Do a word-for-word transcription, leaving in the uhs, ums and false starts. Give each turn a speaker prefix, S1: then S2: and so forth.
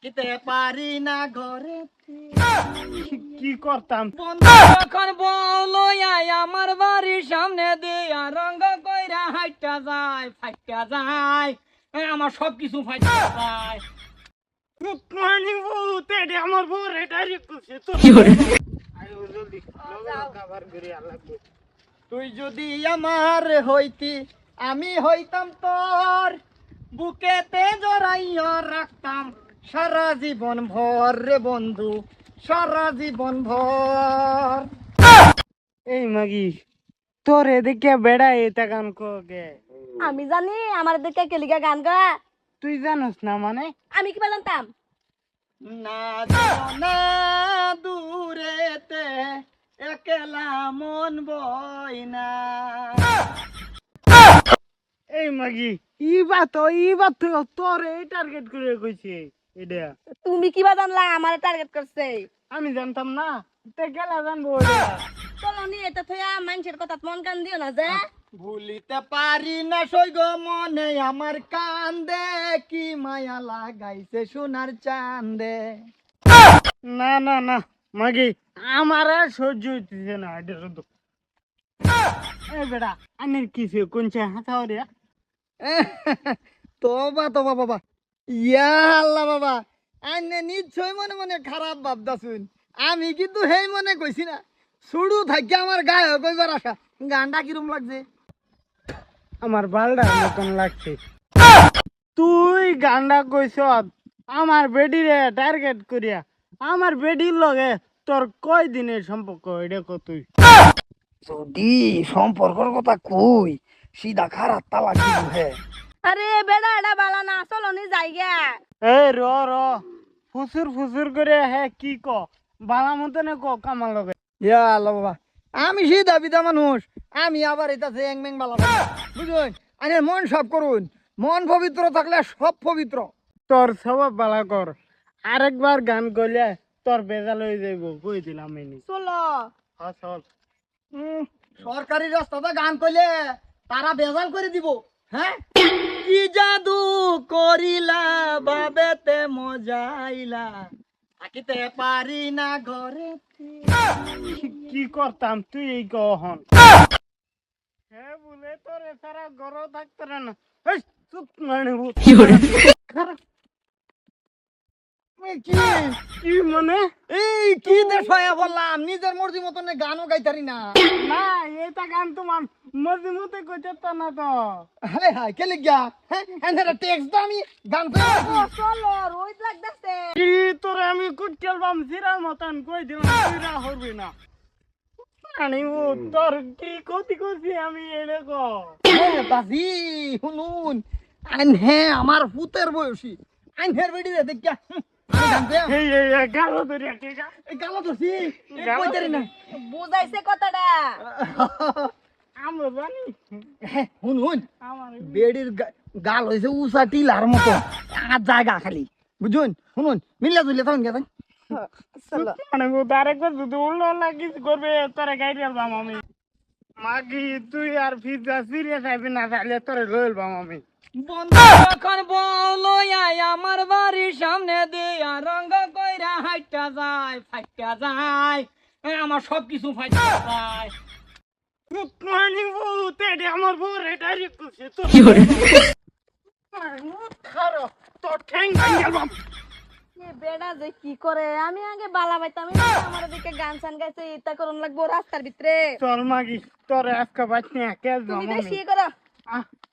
S1: থাকিতে পারি না ঘরে।
S2: কি করতাম
S1: যখন বলো আমার বাড়ির সামনে দিয়া রঙ কইরা হাইটা যায় ফাইটা যায়, আমার সবকিছু ফাইটা যায়।
S2: রুকমানি বহুত এটা আমার বউ রেডারি করছে তো আয় জলদি খাবার করে লাগবে।
S1: তুই যদি আমার হইতি আমি হইতাম তোর, বুকেতে জড়াইয়া রাখতাম সারা জীবন ভর রে বন্ধু, সারা জীবন ভর।
S2: এই মাগি তোর এদিকে বেড়া এটা গান কোকে
S3: আমি জানি আমার দিকে কেলিকা গান গা।
S2: তুই জানোস না মানে
S3: আমি কি জানতাম?
S1: না যেও না দূরেতে একলা মন বই না।
S2: এই মাগি ইবা তো ইবা তো তোর এই টার্গেট করে কইছে এটা
S3: তুমি কি বা জানলা আমার টার্গেট করছে?
S2: আমি জানতাম না, তে গেলা জানবো এটা।
S3: চলো নি এটা থইয়া মানুষের কথা মন কান দিও না যে।
S1: ভুলিতে পারি না সৈগ মনে আমার কান্দে, কি মায়া লাগাইছে সোনার চান্দে।
S2: না না না মাগি আমার আর সহ্য হইতেছে না এটা শুধু। এই বেড়া আনের কিছু কোনছে হাতাও রে
S1: তোবা তোবা বাবা, ইয়া আল্লাহ বাবা, আইনে নিশ্চয় মনে মনে খারাপ ভাবদাছুন। আমি কিন্তু হেই মনে কইছি না, শুরু থাকি আমার গায়ে কইবার আশা। গানটা কিরম লাগছে?
S2: আমার বালডার মতন লাগছে। তুই গান্ডা কইছ আমার বেডিরে টার্গেট করিয়া, আমার বেডির লগে তোর কয় দিনের সম্পর্ক এটা কো তুই?
S1: যদি সম্পর্কের কথা কই সিধা খারাপ তালা কিন্তু হে।
S3: আরে বেড়া এটা বালা না, চলো নি যাইগা।
S2: এই র র ফুসুর ফুসুর করে হে কি ক বালা মতনে ক কামার লগে।
S1: ইয়া আল্লাহ বাবা, আমি সিধা বিধা মানুষ, আমি আবার এটা জ্যাং ম্যাং বালা বুঝুন। আরে মন সব করুন, মন পবিত্র থাকলে সব পবিত্র।
S2: তোর স্বভাব বালা কর, আরেকবার গান করলে তোর বেজাল হয়ে যাইব কই দিলাম এনি।
S3: চলো
S2: হ্যাঁ চল।
S1: উম, সরকারি রাস্তাতে গান করলে তারা বেজাল করে দিব। হ্যাঁ, কি জাদু করিলা বাবেতে মজাইলা, থাকিতে পারি না ঘরে।
S2: কি করতাম তুই এই কহন হে বলে তোর সারা ঘর থাকতে না। এই চুপ মানে খারাপ
S1: কি
S2: কি মানে
S1: এই কি দেশ হয়ে বললাম, নিজের মর্জি মতন গানও গাইতারি না।
S2: না এটা গান তোমার মধ্যে মধ্যে কইতে তো না তো।
S1: হায় হায় কে লিখিয়া, হ্যাঁ এখানে টেক্সট দাও, আমি গান
S3: ও চলো রোজ লাগতেছে।
S2: কি তোরে আমি কুটকেল বাম সিরার মতন কই দিলাম তুই না হরবি না। আনি ও তোর কি ক্ষতি করছি আমি এনে কো।
S1: হ্যাঁ বাজি শুনুন, আইন হ্যাঁ আমার পুতের বয়সী আইন হের বেড়ি রে দেখিয়া আমি গান গাইয়া
S2: এই এই গালো ধরিয়া কে গা
S1: এই গালা ধরছি
S2: গালা
S1: কইতারি না।
S3: বুঝাইছে কথাটা।
S2: আমরা জানি
S1: হ্যাঁ শুনুন,
S2: আমার
S1: বেড়ির গা- গাল হয়েছে উষা টিলার মতো, আর জায়গা খালি বুঝুন। শুনুন মিল্লা জুলিয়া তখন গেছেন।
S3: চলো
S2: মানে ও আরেকবার যদি উল্টো লাগিস করবে তোরে গাইড আলবাম আমি। মাগি তুই আর ফিজা সিরিয়াস আইবি না তাহলে তোরে লই আলবাম আমি।
S1: বন্ধু যখন বলো আমার বাড়ির সামনে দিয়া রঙ কইরা হাইটা যায় ফাইটা যায়, আমার সবকিছু ফাইটা যায়।
S2: রুকমানি বহুত এটা আমার বউ রেডারি করছে তো খারো তোর ঠ্যাং ভাঙি আলবাম।
S3: এ বেড়া যে কি করে, আমি আগে বালা পাইতাম না, আমার দিকে গান সান গাইছে ইতা করন লাগবো রাস্তার ভিতরে।
S2: চল মাগি তোরে আজকে বাঁচনি কে
S3: তুমি
S2: আলবাম
S3: বেশি
S2: আমি।
S3: করো।
S2: আহ